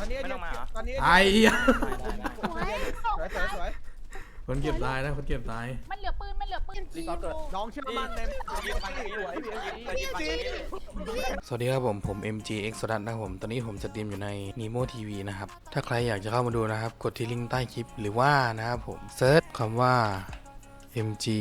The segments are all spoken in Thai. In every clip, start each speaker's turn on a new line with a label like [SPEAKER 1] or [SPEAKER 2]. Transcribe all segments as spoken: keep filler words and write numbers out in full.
[SPEAKER 1] อนนี้
[SPEAKER 2] ไม่ต้องมาเหรอ
[SPEAKER 1] ตอนนี้
[SPEAKER 3] ไอ้เหี้ย
[SPEAKER 1] สวยสวยสวย
[SPEAKER 3] คนเก็บตายนะคนเก็บตาย
[SPEAKER 4] มันเหลือปืนมันเหลือปืน
[SPEAKER 1] น้องเชื่อมั่นใน
[SPEAKER 3] สวัสดีครับผมผม เอ็ม จี เอ็กซ์ ดัตนะครับผมตอนนี้ผมจะสตรีมอยู่ใน Nemo ที วี นะครับถ้าใครอยากจะเข้ามาดูนะครับกดที่ลิงก์ใต้คลิปหรือว่านะครับผมเซิร์ชคำว่า เอ็ม จี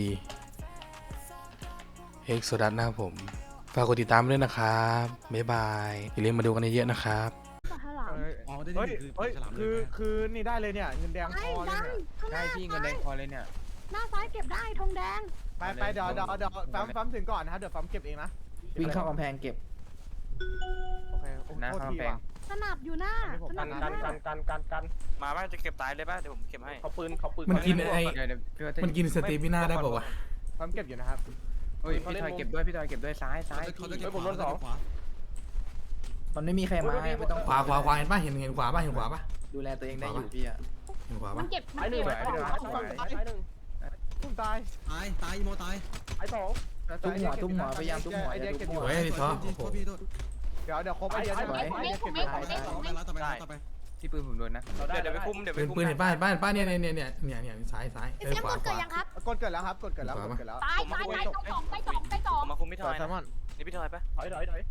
[SPEAKER 3] เอ็กซ์ ดัตนะครับผมฝากกดติดตามด้วยนะครับบ๊ายบายอย่าลืมมาดูกันเยอะๆนะครับ
[SPEAKER 5] อ๋อได้
[SPEAKER 1] เฮ้ย
[SPEAKER 5] คือ
[SPEAKER 1] เฮ้ย
[SPEAKER 5] ฉลามเล
[SPEAKER 1] คื
[SPEAKER 5] ย
[SPEAKER 1] อคือนี่ได้เลยเนี่ยเงินแดงพอเลยเนี่ย
[SPEAKER 6] ใช่พี่เงินแดงพอเลยเนี่ย
[SPEAKER 7] หน้าซ้ายเก็บได้ธงแดง
[SPEAKER 1] ไปไปเดี๋ยวเดี๋ยวเดี๋ยวฟัมฟัมถึงก่อนนะครับเดี๋ยวฟัมเก็บเองนะ
[SPEAKER 6] วิ่งเข้ากำแพงเก็บ
[SPEAKER 1] โอเคโอ้โทษทีว่ะ
[SPEAKER 7] สนับอยู่หน้าสนับอยู่หน้า
[SPEAKER 2] กันกันกันมาป่ะจะเก็บตายเลยป่ะเดี๋ยวผมเก็บให้เขาปืนเขาปืน
[SPEAKER 3] มันกินไอ้
[SPEAKER 6] เดี๋ยวเดี๋ยวพี่ว่าจะ
[SPEAKER 3] มันกินสเตมิน่าได้ป่าววะ
[SPEAKER 1] ฟัมเก็บอยู่นะครับ
[SPEAKER 6] เฮ้ยพี่ทอยเก็บด้วยพี่ทอยเก็บด้วยซ้ายซ้าย
[SPEAKER 5] เขาจะ
[SPEAKER 6] พี่
[SPEAKER 5] เก็บขวาขวา
[SPEAKER 6] มันไม่มีใครมาไม่ต้อง
[SPEAKER 3] ขวาขวาขวาเห็นป่ะเห็นเห็นขวาป่ะเห็นขวาป่ะ
[SPEAKER 6] ดูแลตัวเองได้อยู่พี่อะ
[SPEAKER 3] เห็นขวา
[SPEAKER 4] มั
[SPEAKER 3] ป่ะ
[SPEAKER 4] นเก็บมัน
[SPEAKER 1] ไอ้หนึ่
[SPEAKER 4] เก็
[SPEAKER 1] ง
[SPEAKER 4] บ
[SPEAKER 1] ตุ้มตาย
[SPEAKER 5] ตายตายอีโมตาย
[SPEAKER 1] ไอ้สอง
[SPEAKER 6] ตุ้มหัวตุ้มหัวพยายามตุ้มหัวอย่าตุ้มหัว
[SPEAKER 3] โอ้ยไอ้ท้อ
[SPEAKER 5] โทษพี่โทษ
[SPEAKER 1] เดี๋ยวเดี๋ยวครบไอเดีย
[SPEAKER 6] สวย
[SPEAKER 1] ไอเดียเก็บ
[SPEAKER 5] ต่อไปแล้วต่อไปแล้วต่อไป
[SPEAKER 6] ที่ปืนผมโดนนะ
[SPEAKER 2] เดี๋ยวเดี๋ยวไปคุมเดี๋ยวไป
[SPEAKER 3] ปืน
[SPEAKER 2] คุม
[SPEAKER 3] ปืนเห็นป่ะเห็นป่ะเห็นป่ะเนี่ยเนี่ยเนี่ยเนี่ยเนี่ยเนี่ยซ้ายซ้าย
[SPEAKER 7] พี่
[SPEAKER 3] เอ้ย
[SPEAKER 7] เสียง
[SPEAKER 3] ขวาก
[SPEAKER 7] ด
[SPEAKER 3] ข
[SPEAKER 7] เกิด
[SPEAKER 3] วา
[SPEAKER 7] ยังครับ
[SPEAKER 1] กดเกิดแล้วครับกดเกิดแล้วกดเกิดแล้ว
[SPEAKER 4] ตายตายตายต้องสองตายสองตายสอง
[SPEAKER 2] มาคุมพี่ท
[SPEAKER 1] ต่
[SPEAKER 2] อ
[SPEAKER 1] อย แซมมอน
[SPEAKER 2] นี่พี่ทอยป่ะ
[SPEAKER 1] ถอยถอยถอย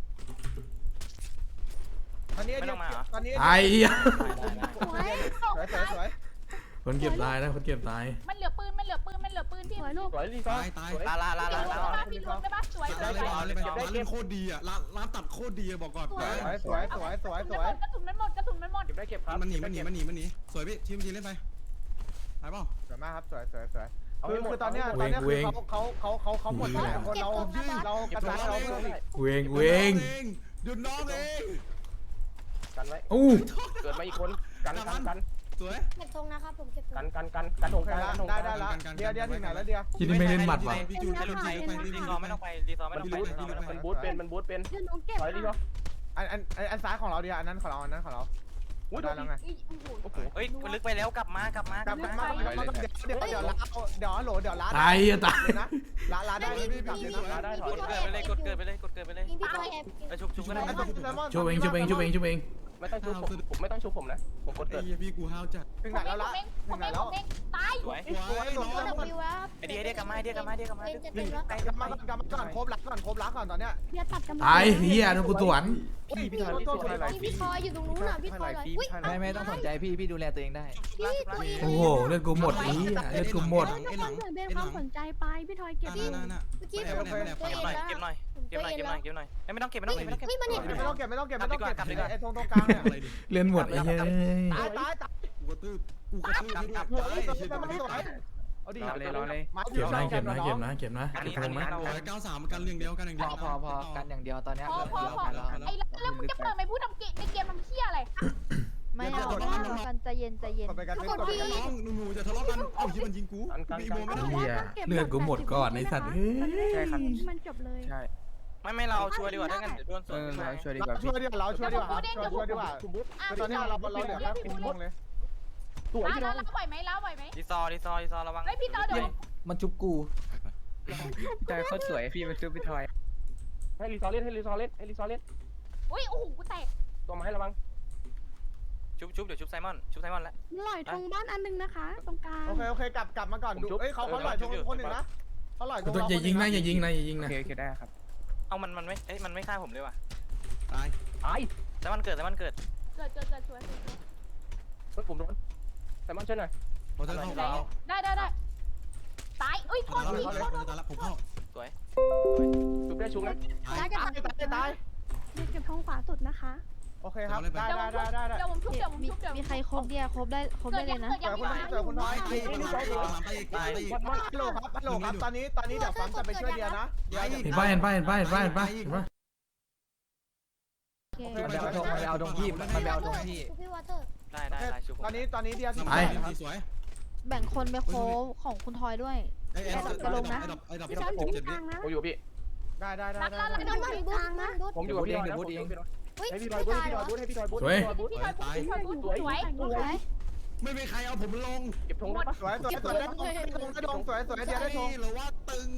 [SPEAKER 1] ตอนนี้ตอนนี้
[SPEAKER 3] ไอ้เหี้ย
[SPEAKER 7] สวย
[SPEAKER 1] สวยสวยสวย
[SPEAKER 3] คนเก็บตายนะคนเก็บตาย
[SPEAKER 4] มันเหลือปืนมันเหลือปืนมันเหลือปืนพี่
[SPEAKER 7] สวยลูก
[SPEAKER 1] สวยรีซอ
[SPEAKER 5] ตายตาย
[SPEAKER 2] ลาลาลาลาลา
[SPEAKER 4] พี่รวมได้ปะสวย
[SPEAKER 5] เก็บ
[SPEAKER 4] สว
[SPEAKER 5] ได้
[SPEAKER 4] ย
[SPEAKER 5] เลยไปร้านเล่นโคตรดีอ่ะร้านร้านตัดโคตรดีบอกก่อน
[SPEAKER 1] สวยสวยสวยสวยสวย
[SPEAKER 4] กระสุนมันหมดกระสุนมันหมด
[SPEAKER 1] เก็บได้เก็บครับ
[SPEAKER 5] มันหนีมันหนีมันหนีมันหนีสวยพี่ทีมทีเล่นไปไปเปล่า
[SPEAKER 1] สวยมากครับสวยสวยสวยคือคือตอนเนี้ยตอนเนี้ยคือเขาเขาเขาเขาเขาหมดแล้วคนเราเรากระจายเราเพิ่มอีก
[SPEAKER 3] เวงเวง
[SPEAKER 5] หยุดน้องเอง
[SPEAKER 1] กันไว้
[SPEAKER 3] อู้
[SPEAKER 1] เกิดมาอีกคนกันกันกัน
[SPEAKER 5] สวย
[SPEAKER 7] เก็บธงนะครับผมเก็บธง
[SPEAKER 1] กันกันกันกันถงกันได้ได้แล้วเดียวเดียวถึงไหนแล้วเดียว
[SPEAKER 3] ที่นี่ไม่เล่นหมัดว่ะ
[SPEAKER 5] พี่จูพี่จูไปพี่
[SPEAKER 2] รี
[SPEAKER 5] จู
[SPEAKER 2] ซอไม่ต้องไปรีซอไม่ต้องไปรีซอไม่ต้องไป
[SPEAKER 1] มันบูทเป็นมันบูทเป็น
[SPEAKER 7] เดี๋ยวหนูเก็บ
[SPEAKER 1] ถอยดีป่ะอันอันอันซ้ายของเราเดียวอันนั้นของเราอันนั้นของเราได้แล้วไง
[SPEAKER 4] โอ้โห
[SPEAKER 2] เฮ้ยมันลึกไปแล้วกลับมากลับมาก
[SPEAKER 1] ลับกลับมาเดี๋ยวเดี๋ยวเดี๋ยวลาเดี๋ยวโหลเดี๋ยวลา
[SPEAKER 3] ตายอ่ะตาย
[SPEAKER 1] นะลาลาได้กลับเลยนะลาได้ถ
[SPEAKER 2] ก
[SPEAKER 1] อย
[SPEAKER 2] ดเกิดไปเลยกดเกิดไปเลยกดเกิดไปเลย
[SPEAKER 7] ยิงพี่ทอยแอบ
[SPEAKER 2] แล้วชุบชุบก็ได้
[SPEAKER 3] ช่วยเองช่วยเองช่วยเองช่วยเอง
[SPEAKER 1] ไม่ต้องชุบผมผมไม่ต้องชุบผมนะผมกด
[SPEAKER 5] ไอ้
[SPEAKER 1] เกิด
[SPEAKER 5] พี่กูห้าวจัด
[SPEAKER 1] ถึงไหนแล้วละ
[SPEAKER 4] ผมเองผมเองตาย
[SPEAKER 2] สวย
[SPEAKER 5] สวยน้อง
[SPEAKER 7] ก็ดับวิวแล้ว
[SPEAKER 2] ไอเดียไอเดียกลับมาไอเดียกลับมาไอเดียกลับมา
[SPEAKER 7] เต็มจะเต็มแล้ว
[SPEAKER 1] กลับมาก่อนกลับมาก่อนครบรักก่อนครบรักก่อนตอนเนี้ย
[SPEAKER 7] เบียร์ตัดกำลัง
[SPEAKER 3] ตายเฮียโดนกูสวน
[SPEAKER 1] พี่พี่ทอยพี่ทอย
[SPEAKER 7] พี่พี่ทอยอยู่ตรงนู้นน่ะพี่ทอยเลยอุ้ย
[SPEAKER 6] ไม่ไม่ต้องสนใจพี่พี่ดูแลตัวเองได้
[SPEAKER 7] พี่ตัวเอง
[SPEAKER 3] โอ้โหเลือดกูหมดอีเลือดกูหมด
[SPEAKER 7] ทุกคนเหมือนเป็นความสนใจไปพี่ทอยเก็บ
[SPEAKER 5] น่าน่าน่า
[SPEAKER 7] เมื่อกี้
[SPEAKER 5] แอ
[SPEAKER 7] ผ
[SPEAKER 5] บ
[SPEAKER 7] ม
[SPEAKER 5] แอบแอบ
[SPEAKER 7] ตัว
[SPEAKER 2] เก็
[SPEAKER 7] เอบ ง
[SPEAKER 2] หน่อย
[SPEAKER 7] แล้ว
[SPEAKER 2] เก็บหน่อย
[SPEAKER 7] ผม
[SPEAKER 2] เก็บ
[SPEAKER 7] ตัว
[SPEAKER 2] หน่อย
[SPEAKER 7] เอง
[SPEAKER 2] เก็บห
[SPEAKER 7] แล้
[SPEAKER 2] น่อ
[SPEAKER 7] วย
[SPEAKER 2] เก็บหน่อยไม่ต้องเก็บไม่ต้องเก็บไม่ต้องเก็บ
[SPEAKER 7] เฮ้ยมันเห็น
[SPEAKER 1] ไม่ต้องเก็บไม่ต้องเก็บไม่ต้องเก็บไอ้ตรงตรงกลางเนี่ย
[SPEAKER 3] เลือดหมดไอ้เหี้ย
[SPEAKER 1] ตายตายตาย
[SPEAKER 5] กูกระตืบกูกระตืบให้ด้วยตายเฉย
[SPEAKER 1] ไม่สวยเอาดิ
[SPEAKER 3] เก็บนะเก็บนะเก็บนะเก็บนะ
[SPEAKER 2] อัน
[SPEAKER 3] เก็บ
[SPEAKER 2] นี้
[SPEAKER 3] ธ
[SPEAKER 2] อัน
[SPEAKER 3] ง
[SPEAKER 2] นี้
[SPEAKER 3] นะ
[SPEAKER 2] เรา
[SPEAKER 5] ร้อยเก้าสามกันเรียงเดียวกันอย่าง
[SPEAKER 6] พ
[SPEAKER 5] เดีย
[SPEAKER 6] อ
[SPEAKER 5] ว
[SPEAKER 6] พอพอกันอย่างเดียวตอนเนี้ย
[SPEAKER 4] พอพอพอ
[SPEAKER 6] แล้ว
[SPEAKER 4] ไอ้แล้วมึงจะเปิดไม่พูดทำเกมในเกมทำเชี่ยอะไร
[SPEAKER 8] ไม่เอากันใจเย็นใจเย็น
[SPEAKER 1] ไปกันไป
[SPEAKER 5] น้องหนูจะทะเลาะกันเอ้าที่มันยิงกูพี่โมไม่ได้
[SPEAKER 3] เฮียเลือดกูหมดก่อนไอ้สัตว์เฮ้ย
[SPEAKER 6] ใช่ครับ
[SPEAKER 7] มันจบเลย
[SPEAKER 6] ใช่
[SPEAKER 2] ไม่ไม่เราช่วยดีกว่าถ้างั้นเดี๋ยวโดนส
[SPEAKER 6] เอ
[SPEAKER 2] วน
[SPEAKER 6] อเราช่วยดีก
[SPEAKER 1] เรา
[SPEAKER 6] ว่า
[SPEAKER 1] ช่
[SPEAKER 6] พี่
[SPEAKER 1] วยดีกว่าเราช่วยดีกว่าช่วยดีกว่าตอนนี้เราเราเหลือแค่คุณวงเลยสวย
[SPEAKER 4] ล้า
[SPEAKER 1] ที่น้อง
[SPEAKER 4] ล้าไหวไหมล้าไหวไหม
[SPEAKER 2] รีซอรีซอรีซอระวัง
[SPEAKER 4] ไอพี่ต่อเดี๋ยว
[SPEAKER 6] มันจุบกูใจโคตรสวยพี่มันจุบพี่ทอย
[SPEAKER 1] ให้รีซอเล่นให้รีซอเล่นให้รีซอเล่น
[SPEAKER 4] อุ้ยโอ้โหกูแตก
[SPEAKER 1] ตัวมาให้ระวัง
[SPEAKER 2] ชุบชุบเดี๋ยวชุบไซมอนชุบไซมอนแล้ว
[SPEAKER 7] ลอยธงบ้านอันนึงนะคะ ตรงกลาง
[SPEAKER 1] โอเคโอเคกลับกลับมาก่อนดูเอ้ยเขาเขาหล่อยคนหนึ่งนะเขาหล่อย
[SPEAKER 3] ตัวอย่ายิงนะอย่ายิงนะอย่ายิง
[SPEAKER 6] โอ
[SPEAKER 3] นะ
[SPEAKER 6] เคโอเคได้ครับ
[SPEAKER 2] เอามันมันไม่เอ้ยมันไม่ฆ่าผมเลยว่ะ
[SPEAKER 5] ตาย
[SPEAKER 1] ตาย
[SPEAKER 2] ไซมอนเกิดไซมอนเกิด
[SPEAKER 4] เกิดเกิดเกิดสวย
[SPEAKER 1] เฮ้ยผมโดนแต่มันช่วยหน่อย
[SPEAKER 5] พอจะเข้า
[SPEAKER 4] ได้ได้ได้ตายอุ้ยโทษ
[SPEAKER 5] ตาย
[SPEAKER 4] ที
[SPEAKER 5] แล้ว
[SPEAKER 4] โทษ
[SPEAKER 5] ตายแล้วผมเข้า
[SPEAKER 1] ชุบได้ชุบนะ
[SPEAKER 7] ได้จะ
[SPEAKER 1] ตายตายตาย
[SPEAKER 7] เก็บธงขวาสุดนะคะ
[SPEAKER 1] โอเคครับได้ได้ได้ได้ได้
[SPEAKER 4] เดี๋ยวผมชุบเดี๋ยวผม
[SPEAKER 8] มี
[SPEAKER 4] ชุบเดี๋ยว
[SPEAKER 8] มีใครครบเดียครบได้ครบ
[SPEAKER 4] เกิ
[SPEAKER 8] ได้
[SPEAKER 4] ด
[SPEAKER 8] เล
[SPEAKER 4] ยัง
[SPEAKER 8] ยนะ
[SPEAKER 4] เกิดยัง
[SPEAKER 1] เจอคุณเจอคุณน้อย
[SPEAKER 5] ตายตายตาย
[SPEAKER 1] ฮัลโหลครับฮัลโหลครับตอนนี้ตอนนี้เดี๋ยวฟังจะไปช่วยเดียนะเดี๋ยว
[SPEAKER 3] เห็นป่ะเห็นป่ะเห็นป่ะเห็นป่ะเห็นป่ะเห็นป่ะ
[SPEAKER 8] โอเค
[SPEAKER 6] มันไปเอาธงมันไปเอาธงพี่มันไปเอาธงพี่
[SPEAKER 7] พี่วอเตอร์
[SPEAKER 2] ได้ได้ได้ชุบผม
[SPEAKER 1] ตอนนี้ตอนนี้เดีย
[SPEAKER 5] สวย
[SPEAKER 8] แบ่งคนไปโค้งของคุณทอยด้วย
[SPEAKER 5] ไอ้ไอ้ดับไอ้ดับไอ้ดับไอ้ดับ
[SPEAKER 7] พี่ช้อนอยู่ที่กลางนะ
[SPEAKER 1] ผมอยู่พี่ได้ได้ได้ได้
[SPEAKER 7] พี่ช้อนอยู่กลางนะ
[SPEAKER 1] ผมอยู่กับพี่ดอยเอง
[SPEAKER 7] เฮ้ย
[SPEAKER 1] ให้พี่
[SPEAKER 7] พี่
[SPEAKER 1] ด
[SPEAKER 7] ท
[SPEAKER 1] อย
[SPEAKER 7] อย
[SPEAKER 1] บูท
[SPEAKER 7] เหร
[SPEAKER 1] พี่ด
[SPEAKER 7] อ
[SPEAKER 1] อยบูทให้พี่ดอยบูท
[SPEAKER 3] สวย
[SPEAKER 4] พี่ทอยพี่ทอยพี่ทอยสวย
[SPEAKER 7] สวย
[SPEAKER 5] ไม่มีใครเอาผมลง
[SPEAKER 1] เก็บธงได้ปะสวยสวยสวยได้ธงได้ธงสวยสวยเดียได้ธง
[SPEAKER 5] หรือว่าตึง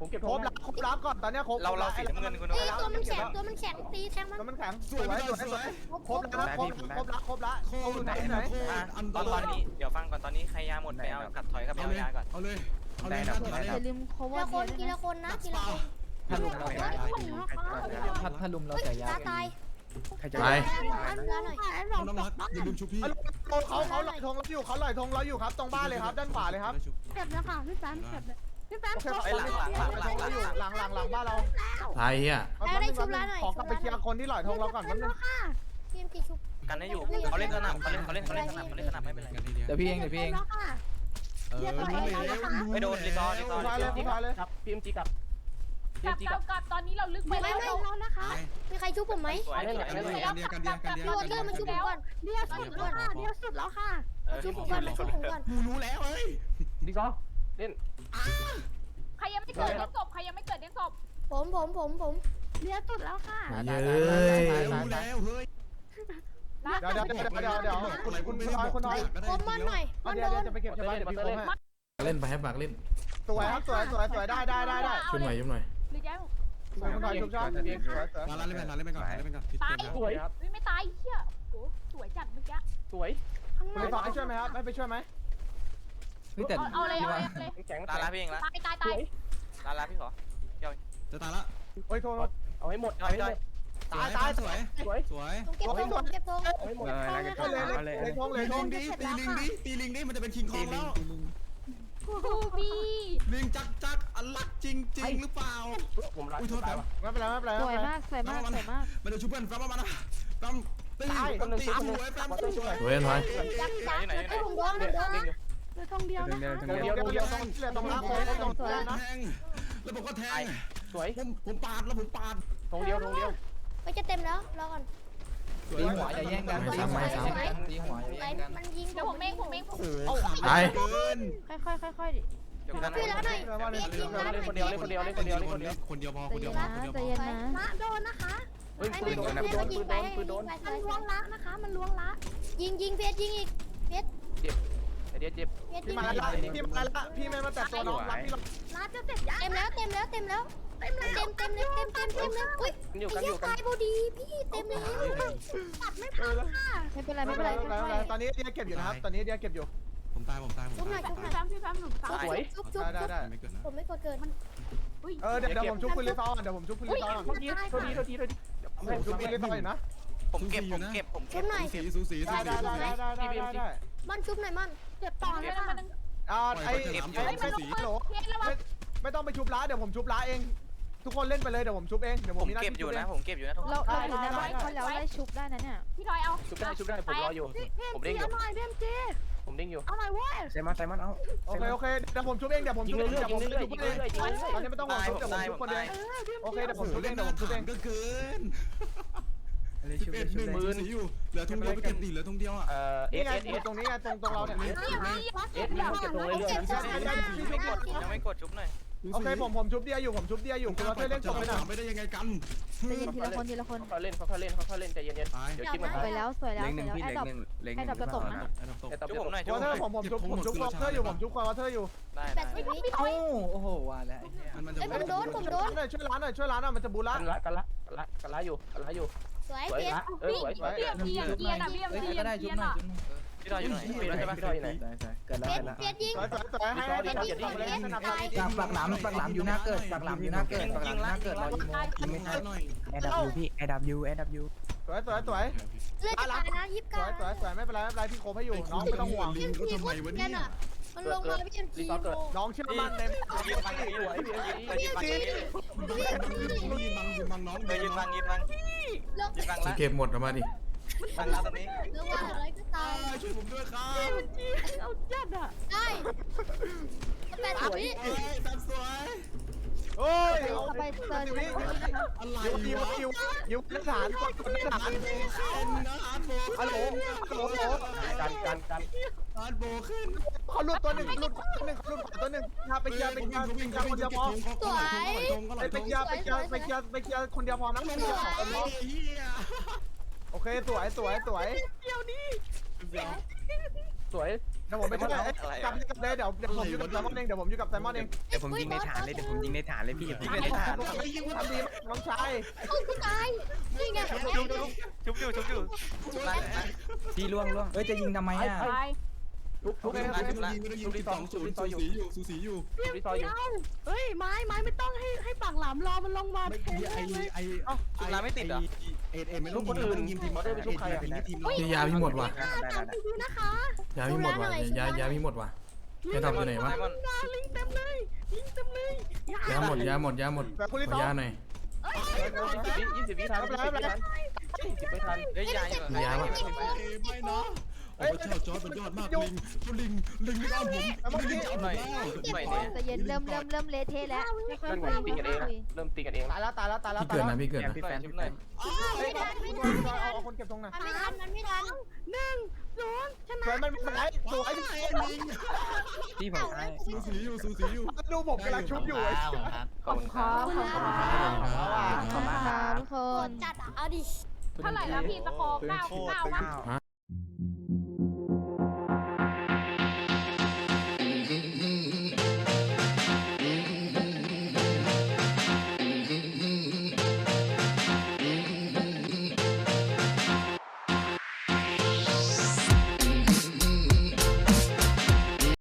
[SPEAKER 1] ผมเก็บครบรับครบรับก่อนตอนนี้ครบ
[SPEAKER 2] เราเราสีน้ำเงินคุณ
[SPEAKER 7] เฮ้ยตัวมันแข็งตัวมันแข็งตีแทงมัน
[SPEAKER 1] ตัวมันแข็ง
[SPEAKER 5] สวยพี่จอยสวย
[SPEAKER 1] ครบแล้วครบครบรับครบละ
[SPEAKER 5] โค
[SPEAKER 1] เอา
[SPEAKER 5] ตร
[SPEAKER 1] ไหน
[SPEAKER 5] ไหน
[SPEAKER 1] ไหน
[SPEAKER 5] โคตรอันต
[SPEAKER 2] ตอนต
[SPEAKER 5] รา
[SPEAKER 2] อน
[SPEAKER 5] ย
[SPEAKER 2] นี้เดี๋ยวฟังก่อนตอนนี้ใครยาหมดไปเอากัดถอยกับไป
[SPEAKER 5] เอา
[SPEAKER 2] เอา
[SPEAKER 5] เลย
[SPEAKER 2] ยาก่อน
[SPEAKER 5] เอาเลยเอาเลย
[SPEAKER 8] อย่าลืม cover
[SPEAKER 7] ทีละคน
[SPEAKER 8] เย
[SPEAKER 7] ที
[SPEAKER 8] อะ
[SPEAKER 7] ละคนนะที
[SPEAKER 5] ส
[SPEAKER 7] ละ
[SPEAKER 5] ปา
[SPEAKER 7] คน
[SPEAKER 6] ถ้าลุมเรา
[SPEAKER 7] เฮ้ย
[SPEAKER 6] จ่ายยา
[SPEAKER 7] คน
[SPEAKER 6] ถ้าถ้าลุมเรา
[SPEAKER 7] เฮ้ย
[SPEAKER 6] จ่ายยา
[SPEAKER 7] ตาตาย
[SPEAKER 6] ใครจะ
[SPEAKER 3] ตาย
[SPEAKER 7] อันเนื้อหน่อย
[SPEAKER 5] น้องรักอย่าลืมชุบพี่
[SPEAKER 1] เขาเขาเขาลอยธงเราอยู่เขาลอยธงเราอยู่ครับตรงบ้านเลยครับด้านขวาเลยครับ
[SPEAKER 7] เจ็บนะค่ะพี่แป๊มเจ็บเลยพี่แป๊ม
[SPEAKER 1] โอเคไปหลังหลังหลังหลังเราอยู่หลังหลังหลังบ้านเรา
[SPEAKER 3] ตายเฮีย
[SPEAKER 1] ขอกลับไปเคลียร์คนที่ลอยธงเราก่อน
[SPEAKER 7] เจ็
[SPEAKER 1] แป๊
[SPEAKER 7] บบ
[SPEAKER 1] นึ
[SPEAKER 7] แล้
[SPEAKER 1] ง
[SPEAKER 7] วค่ะทีมกี่ชุบ
[SPEAKER 2] กันได้อยู่เขาเล่นสนับเขาเล่นเขาเล่นเขาเล่นสนับเขาเล่นสนับไม่เป็นไร
[SPEAKER 6] เดี๋ยวพี่เองเดี๋ยวพี่เอง
[SPEAKER 7] แล้วค่ะ
[SPEAKER 5] เออรู้แล้ว
[SPEAKER 2] ไม่โดนรีซอร์รีซอ
[SPEAKER 1] ผู้
[SPEAKER 2] ร์
[SPEAKER 1] ชายเลยผู้ชายเลย
[SPEAKER 4] กลับกลับกลับตอนนี้เราลึกไป
[SPEAKER 7] ไม่
[SPEAKER 4] แล้ว
[SPEAKER 7] ไม่แล้วนะคะมีใครชุบผมไหม
[SPEAKER 2] สวยสวย
[SPEAKER 5] กันเดียกันเดียกันเดียกันเดีย
[SPEAKER 7] พี่วอเตอร์มาชุบผมก่อนเดียวสุดแล้วค่ะเดียวสุดแล้วค่ะชุบผมก่อนมาชุบผมก่อน
[SPEAKER 5] กูรู้แล้วเฮ้ย
[SPEAKER 4] ใครยังไม่เกิดเลี้ยงศพใครยังไม่เกิดเลี้ยงศพ
[SPEAKER 7] ผมผมผมผมเดียวสุดแล้วค่ะ
[SPEAKER 3] มาเย้ย
[SPEAKER 5] รู้แล้วเฮ้ย
[SPEAKER 1] เดี๋ยวเดี๋ยวเดี๋ยวเดี๋ยวเดี๋ยวคุณคุณคุณน้อยคุณน้อย
[SPEAKER 7] ผมมันหน่อย
[SPEAKER 1] เอา
[SPEAKER 7] มัน
[SPEAKER 1] เดี๋ย
[SPEAKER 7] โด
[SPEAKER 1] วน จะไปเก็บใช่ไหมเดี๋ยวพี่โค้งให้
[SPEAKER 3] เล่นไปให้ปากเล่น
[SPEAKER 1] สวยครับสวยสวยสวยได้ได้ได้ได้
[SPEAKER 3] ชุบหน่อยชุบหน่อย
[SPEAKER 4] หรือยัง
[SPEAKER 1] สวยคุณน้อยชุบชอบสวยสวย
[SPEAKER 5] ลาลาเล่นไปลาเล่นไปก่อนเล่นไปก่อน
[SPEAKER 4] ตายสวยไม่ตายเชี่ยโอ้สวยจัดเมื่อกี้
[SPEAKER 1] คุณไปต่อให้ช่วยไหมครับให้ไปช่วยไหม
[SPEAKER 6] เฮ้ยแต่
[SPEAKER 4] เอาเลย
[SPEAKER 6] พี่
[SPEAKER 4] เอา
[SPEAKER 6] ว่า
[SPEAKER 4] เลย
[SPEAKER 2] ลาลาพี่เองละ
[SPEAKER 4] ตายตายตาย
[SPEAKER 2] ลาลาพี่ขอ
[SPEAKER 5] จะตายละ
[SPEAKER 1] โอ้ยโทษ
[SPEAKER 2] เอาให้หมดเอาให้หมด
[SPEAKER 5] ตายตายสวยสวยสวย
[SPEAKER 7] เก็บธงเก็บธง
[SPEAKER 6] เอออะไรกัน
[SPEAKER 1] เอาเลยเลยทงเลย
[SPEAKER 5] ตี
[SPEAKER 1] ท
[SPEAKER 5] ลิ
[SPEAKER 1] ง
[SPEAKER 5] งดิตีลิงดิตีลิงดิมันจะเป็นคิงคองแล้ว
[SPEAKER 4] กูบี้
[SPEAKER 5] ลิงจักจักอันลักจริงจริงหรือเปล่าอุ้ยโทษแป๊บ
[SPEAKER 1] ไม่เป็นไรไม่เป็นไร
[SPEAKER 8] สวยมากสวยมากสวยมาก
[SPEAKER 5] มันจะชุบเพื่อนแป๊บมานะแป๊บตีตีสวยแป๊บสวย
[SPEAKER 3] สวยถอย
[SPEAKER 7] จับจับให้ผมโดนผมโดนนะเหลือธงเดียวนะคะ
[SPEAKER 1] เดี๋ยวเดี๋ยวเดี๋ยวต้องเดี๋ยวต้องรับเลยต้อง
[SPEAKER 7] สวย
[SPEAKER 1] นะ
[SPEAKER 5] แทงแล้วผมก็แทงสวยผมผมปาดแล้วผมปาด
[SPEAKER 1] ทงเดียวทงเดียว
[SPEAKER 7] ไปจะเต็มแล้วรอก่อน
[SPEAKER 6] ตีหัวอย่าแย่งกันตีหัวอย่าแย่งกันตีหัวอย่า
[SPEAKER 7] ไหน
[SPEAKER 6] แย่งกัน
[SPEAKER 7] มันยิง
[SPEAKER 4] เดี๋ยวผมเองผมเอง
[SPEAKER 5] โอ้โหขาดเกิน
[SPEAKER 8] ค่อยๆค่อยๆดิ
[SPEAKER 2] เดี๋ยวกัน
[SPEAKER 7] ช่วยแล้วหน่อยเบียดยิงแล้วหน่อย
[SPEAKER 5] คนเดียวคนเดียวคนเดียวคนเดียวคนเดียวพอ
[SPEAKER 8] ใจ
[SPEAKER 5] คนเดี
[SPEAKER 8] เย็
[SPEAKER 5] ยวน พอ
[SPEAKER 8] นะ
[SPEAKER 5] คนเดียว
[SPEAKER 8] ใจ
[SPEAKER 5] พอ
[SPEAKER 8] เย็นนะ
[SPEAKER 7] ละโดนนะคะให้มันยิงให้มันยิงไปให้มันยิงไปมันล้วงละนะคะ มันล้วงละยิงยิงเพชรยิงอีกเพชร
[SPEAKER 2] เดี๋ยวเจ็บ
[SPEAKER 7] เพชรยิ
[SPEAKER 1] พี่
[SPEAKER 7] ง
[SPEAKER 1] มาละพี่มาละพี่ไม่มาแต่ตัวน้องรับพี่
[SPEAKER 7] ละจะเสร็จยังเต็มแล้วเต็มแล้วเต็มแล้วเต็มแล้วเต็มเต็มเต็มเต็มเต็มเต็มอุ้ยไอ้เหี้ยตายพอดีพี่เต็มแล้วตัดไม่ทันค่ะ
[SPEAKER 8] ไม่เป็นไร
[SPEAKER 1] ไม่
[SPEAKER 8] ไม่
[SPEAKER 1] เป็
[SPEAKER 8] เป็น น
[SPEAKER 1] ไร
[SPEAKER 8] ไร
[SPEAKER 1] ไม่เป็นไรตอนนี้เดียเก็บอยู่นะครับตอนนี้เดียเก็บอยู่
[SPEAKER 5] ผมตายผมตายผม
[SPEAKER 7] ชุบหน่
[SPEAKER 5] ตา
[SPEAKER 7] อย
[SPEAKER 5] ย
[SPEAKER 7] ชุบหน่อย
[SPEAKER 4] พี่แฟมพี่แฟมหนุ่มสาว
[SPEAKER 7] ชุบชุบชุบ
[SPEAKER 1] ได้ได้ได้
[SPEAKER 5] ไม่เกิดนะ
[SPEAKER 7] ผมไม่กดเกิน
[SPEAKER 1] เออเดี๋ยวผมชุบคุณลิซอนเดี๋ยวผมชุบคุณลิซอน
[SPEAKER 7] โทษทีโทษทีโทษที
[SPEAKER 1] ผมชุบคุณลิซอนอยู่นะ
[SPEAKER 2] ผมเก็บผมเก็บผม
[SPEAKER 7] ชุ
[SPEAKER 2] เก็
[SPEAKER 7] บบ หน่อย
[SPEAKER 5] สีสูสีสู
[SPEAKER 1] ได้
[SPEAKER 5] สี
[SPEAKER 1] ได้ได้ได้ได้ได้
[SPEAKER 7] มันชุบหน่อยมันเจ็บต่อเลยค่ะ
[SPEAKER 1] อ่าไอ้ไอ้โหล
[SPEAKER 4] เพี้ยนแล้ววะ
[SPEAKER 1] ไม่ต้องไปชุบล้าเดี๋ยวผมชุบล้าเอง ทุกคนเล่นไปเลยเดี๋ยวผมชุบเองเดี๋ยวผ
[SPEAKER 2] ผม ม
[SPEAKER 1] มีหน้า
[SPEAKER 2] เก็บ
[SPEAKER 1] ที่
[SPEAKER 2] อยู่
[SPEAKER 1] ชุบเอ
[SPEAKER 2] นะ
[SPEAKER 1] ง
[SPEAKER 2] ผมเก็บอยู่นะทุกคน
[SPEAKER 8] เราเราอยู่ในบ้านเขาแล้วไล่ชุบได้นะเนี่ย
[SPEAKER 4] พี่ทอยเอา
[SPEAKER 2] ชุบได้ชุบได้ผมรออยู่ ผมเด้งอยู่
[SPEAKER 7] หน่อยเบมจี
[SPEAKER 2] ผมเด้งอยู่
[SPEAKER 7] เอาหน่อยเว้ย
[SPEAKER 6] ไซมอนไซมอนเอา
[SPEAKER 1] โอเคโอเคเดี๋ยวผมชุบเองเดี๋ยวผมชุบเองเดี๋ยวผมชุบเองตอนนี้ไม่ต้องห่วงชุบเดี๋ยวผมชุบคนเดียวโอเคเดี๋ยวผมชุบเองเดี๋ยวผมชุบเอง
[SPEAKER 5] ก็เกิน
[SPEAKER 6] อะไร
[SPEAKER 5] สิ
[SPEAKER 6] ชุ
[SPEAKER 5] บบ เอ็ดห
[SPEAKER 6] ชุ
[SPEAKER 5] นึ่
[SPEAKER 6] บ
[SPEAKER 5] ง
[SPEAKER 6] เลย
[SPEAKER 5] สีอยู่เหลือทุ่งเดียวไปเก็บดิเหลือทุ่งเดียวอ่ะ
[SPEAKER 2] เอ่อเอ
[SPEAKER 1] นี่
[SPEAKER 2] ส
[SPEAKER 1] ไง
[SPEAKER 2] เอสเอส
[SPEAKER 1] ตรงนี้ไงตรงตรงเราเนี่ย
[SPEAKER 7] เอ็ดเอ็ดเก็บตรงเรื่อยๆ
[SPEAKER 2] ยังไม่กดยังไม่กดชุบหน่อย
[SPEAKER 1] โอเคผมผมชุบเดียอยู่ผมชุบเดียอยู่คุณเราเล่นจบไปหน่อย
[SPEAKER 5] ไม่ได้ยังไงกัน
[SPEAKER 8] ใจเย็นทีละคนทีละคน
[SPEAKER 2] เขาเล่นเขาเล่นเขาเล่นใจเย็น
[SPEAKER 5] ตาย
[SPEAKER 2] ๆเดี๋ยวจิ้มมัน
[SPEAKER 8] สวยแล้วสวยแล้ว
[SPEAKER 6] เล็ง
[SPEAKER 8] ส
[SPEAKER 6] ห
[SPEAKER 8] วย
[SPEAKER 6] นึ่ง
[SPEAKER 8] แล้ว
[SPEAKER 6] พี่
[SPEAKER 8] แอ
[SPEAKER 6] เล็
[SPEAKER 8] ด
[SPEAKER 6] ง
[SPEAKER 8] ดอป
[SPEAKER 6] หนึ่งเล็งหนึ่ง
[SPEAKER 8] แอดดอปจะตกนะ
[SPEAKER 5] ไอ้ดอกตก
[SPEAKER 2] จุ๊บผมหน่อยจุ๊
[SPEAKER 1] ว
[SPEAKER 2] บ
[SPEAKER 1] อ
[SPEAKER 2] ผม
[SPEAKER 1] เท
[SPEAKER 2] ห
[SPEAKER 1] อ
[SPEAKER 2] น่อย
[SPEAKER 1] ร์ผมผมชุบผมชุบวอเทอร์อยู่ผมชุบวอเทอร์อยู่
[SPEAKER 2] ได้
[SPEAKER 7] แปดสิบวิ
[SPEAKER 6] เอ้าโอ้โหว่าแล้ว
[SPEAKER 5] มันมันจะ
[SPEAKER 7] เอ้ยผมโดนผมโดน
[SPEAKER 1] หน่อยช่วยร้านหน่อยช่วยร้านหน่อยมันจะบูละ
[SPEAKER 2] กันละกันละกันละกันละอยู่กันละอยู่
[SPEAKER 7] สวย
[SPEAKER 2] สวย
[SPEAKER 7] เพชร
[SPEAKER 2] ละเออสวยสวย
[SPEAKER 4] เบียมเบียมเบียมนะเบียม
[SPEAKER 6] เฮ้ย
[SPEAKER 4] เบียม
[SPEAKER 6] ก็ได้ชุบหน่อยชุบหน่อย
[SPEAKER 2] พี่ดอยอยู่ไหนพี่ดอยใช่ปะพี่ดอยอยู่ไหน
[SPEAKER 6] ได้ใช่เกิดแล้ว
[SPEAKER 7] เพ
[SPEAKER 6] เกิ
[SPEAKER 7] ช
[SPEAKER 6] ด
[SPEAKER 7] ร
[SPEAKER 6] แล้ว
[SPEAKER 7] เพชรยิง
[SPEAKER 1] สวยสวยสวยให้ให้ให้ให้สนับสนุน
[SPEAKER 6] จากปากหลามปากหลามอยู่หน้าเกิดปากหลามอยู่หน้าเกิดปากหลามหน้าเกิดรออีโมยิงไม่ทัน
[SPEAKER 5] หน่อย
[SPEAKER 6] แอดับยูพี่แอดับยูแอดับยู
[SPEAKER 1] สวยสวยสวย
[SPEAKER 7] เลือดจะตายนะยี่สิบ
[SPEAKER 1] ส
[SPEAKER 7] เก้า
[SPEAKER 1] วยสวยสวยไม่เป็นไรไม่เป็นไรพี่โคให้อยู่น้องไม่ต้องห่วง
[SPEAKER 5] ลิงก็ทำไมวะเนี่ย
[SPEAKER 7] มันลงมาพี่เอ็มจี
[SPEAKER 1] น้องเชื่อมั่นใน
[SPEAKER 2] ยืนบังยืนบังยืนบังยืนบัง
[SPEAKER 5] ยิงบังยิงบังน้อง
[SPEAKER 2] เออยืนบังยืนบัง
[SPEAKER 7] ลง
[SPEAKER 2] ยืนบังละ
[SPEAKER 3] เก็บหมดออกมาดิ
[SPEAKER 2] บังละตรงนี้
[SPEAKER 7] เรื่องว่าอะไรก็ตาม
[SPEAKER 5] ช่วยผมด้วยครับ
[SPEAKER 8] เอาจัดอ่ะ
[SPEAKER 7] ได้แปดสิบวิ
[SPEAKER 5] เอ้ยตัดสวย
[SPEAKER 1] โอ้ย
[SPEAKER 8] เอาไปเซิร์น
[SPEAKER 5] อะไร
[SPEAKER 1] ยิวยิว
[SPEAKER 5] วะ
[SPEAKER 1] ยิวยิวทหารกดกดทหาร
[SPEAKER 5] เป็นนะอาร์ตโบ
[SPEAKER 1] ฮัลโหลฮัลโหล
[SPEAKER 2] กันกันกัน
[SPEAKER 5] อาร์ตโบขึ้น
[SPEAKER 1] เขาหลุดตัวหนึ่งหลุดตัวหนึ่งเขาหลุดตัวหนึ่งพาไปเคลียร์ไปเคลียร์ไปเคลียร์คนเดียวพอ
[SPEAKER 7] สวย
[SPEAKER 1] ไปไปเคลียร์ไปเคลียร์ไปเคลียร์ไปเคลียร์คนเดียวพอนะไปเคลียร์สองคนพอ
[SPEAKER 5] เฮีย
[SPEAKER 1] โอเคสวยสวยสวย
[SPEAKER 5] เดี๋ยว
[SPEAKER 1] สวยเดี๋ยวผมไปช่วยกลับกลับเลยเดี๋ยวเดี๋ยวผมอยู่กับไซมอนเองเดี๋ยวผมอยู่กับไซมอนเอง
[SPEAKER 6] เดี๋ยวผมยิงในฐานเลยเดี๋ยวผมยิงในฐานเลยพี่ยิงในฐาน
[SPEAKER 1] ทำดีน้องชาย
[SPEAKER 7] โอ้ยกูตายนี่ไง
[SPEAKER 2] ชุบอยู่ชุบอยู่ชุบอยู่
[SPEAKER 6] พี่ล่วงล่วงเอ้ยจะยิงทำไมอ่ะ
[SPEAKER 4] ตาย
[SPEAKER 1] ทุกทุก
[SPEAKER 5] ไม่
[SPEAKER 1] เอง
[SPEAKER 5] ต้องยิงไม่ต้องยิงที่สองศูนย์สูสีอยู่สูสีอยู่
[SPEAKER 1] รีซอยอยู่
[SPEAKER 8] เฮ้ยไม้ไม้ไม่ต้องให้ให้ปากหลามรอมันลงมา
[SPEAKER 5] ไม่ไอไอ
[SPEAKER 2] ชุบน้ำไม่ติดเหรอ
[SPEAKER 5] เอ็ดเอ็ดไม่ต้องยิงไม่ต้องยิงทีมเราได้ไปชุบใครยิงทีมเรา
[SPEAKER 3] ยาพี่หมดว่ะ
[SPEAKER 8] ตามพี่นะคะ
[SPEAKER 3] ยาพี่หมดว่ะยายาพี่หมดว่ะยาทำอยู่ไหนวะ
[SPEAKER 8] ลิงเต็มเลยลิงเต็มเลย
[SPEAKER 3] ยาหมดยาหมดยาหมด
[SPEAKER 1] แบบคุณรี
[SPEAKER 3] ข
[SPEAKER 1] ซ
[SPEAKER 3] อ
[SPEAKER 1] อย
[SPEAKER 3] ยาหน่อย
[SPEAKER 2] ยี่สิบวิทันยี่สิบวิทันยี่สิบวิทันเฮ้ยยาย
[SPEAKER 3] มียาปะ
[SPEAKER 5] ไม่เนาะโอ้เจ้าจอร์ดมันยอดมากลิงลิงลิงไม่เอาผมลิงจะเอาผมแล้ว
[SPEAKER 2] หน่อยเนี่ย
[SPEAKER 8] ใจเย็นเริ่มเริ่มเริ่มเละเทะแล้วค่อยๆคุย
[SPEAKER 2] ตีกันเองเริ่มตีกันเอง
[SPEAKER 1] ตายแล้วตายแล้วตายแล้ว
[SPEAKER 3] พี่เกิดนะพี่เกิดนะ
[SPEAKER 2] พี่แฟนชุบหน่อย
[SPEAKER 1] เฮ้ยเอาคนเก็บตรงไหน
[SPEAKER 7] มันไม่ทันมันไม่ทัน
[SPEAKER 8] หนึ่งศูนย์ช
[SPEAKER 1] สว
[SPEAKER 8] นะ
[SPEAKER 1] ยมันมันไหนสวยพี่
[SPEAKER 5] ลิง
[SPEAKER 6] พี่ผมตาย
[SPEAKER 5] สูสีอยู่สูสีอยู่
[SPEAKER 1] ดูผมกำลังชุบอยู่ไอ้
[SPEAKER 2] ขอบคุณครั
[SPEAKER 8] ขอบคุณค่ะขอบคุณค่ะทุกค
[SPEAKER 7] โหด
[SPEAKER 8] น
[SPEAKER 7] จัดอ่ะเอาดิ
[SPEAKER 4] เท่าไหร่แล้วพี่สกอร์เก้าเก้าปะ
[SPEAKER 3] ฮะ